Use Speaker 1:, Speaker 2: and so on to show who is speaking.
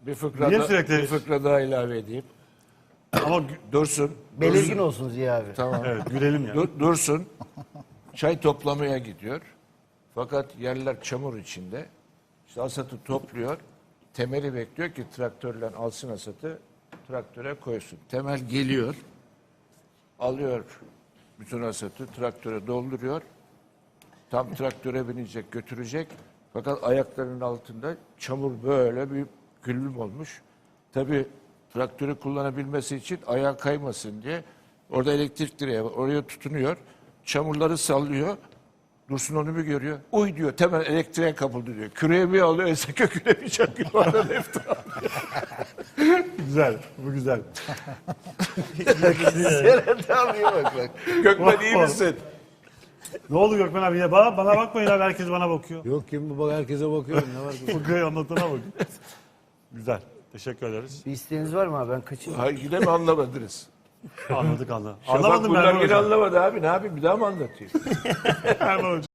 Speaker 1: Bir fıkra,
Speaker 2: Niye
Speaker 1: da,
Speaker 2: sürekli-
Speaker 1: bir fıkra daha ilave edeyim.
Speaker 2: Ama
Speaker 1: Dursun.
Speaker 3: Belirgin olsun Ziya abi.
Speaker 1: Tamam.
Speaker 2: evet gülelim ya.
Speaker 1: Dursun. Çay toplamaya gidiyor. Fakat yerler çamur içinde. İşte asatı topluyor. Temeli bekliyor ki traktörle alsın asatı, traktöre koysun. Temel geliyor. Alıyor bütün asatı, traktöre dolduruyor. Tam traktöre binecek, götürecek. Fakat ayaklarının altında çamur böyle bir güllüm olmuş. Tabii traktörü kullanabilmesi için ayağı kaymasın diye orada elektrik direği var. Oraya tutunuyor. Çamurları sallıyor. Dursun onu bir görüyor. Uy diyor, temel elektriğe kapıldı diyor. Küreği bir alıyor, ese köküne bir çakıyor. Oradan efta.
Speaker 2: Güzel. Bu güzel.
Speaker 3: Serhat abiye bak.
Speaker 1: Gökmen iyi misin?
Speaker 2: Ne oldu Gökmen abi? Ya bana bakmayın abi. Herkes bana bakıyor.
Speaker 4: Yok kim bu bak herkese bakıyorum ne var ki?
Speaker 2: Fıkrayı anlatana bakın. Güzel. Teşekkür ederiz.
Speaker 3: Bir isteğiniz var mı abi? Ben kaçayım.
Speaker 1: Hayır yine mi anlamadınız?
Speaker 2: Anladık.
Speaker 1: Şafak
Speaker 2: Anlamadım
Speaker 1: bunlar
Speaker 2: ben
Speaker 1: yine
Speaker 2: hocam.
Speaker 1: anlamadı abi. Ne yapayım bir daha mı anlatayım?
Speaker 2: Erman hocam.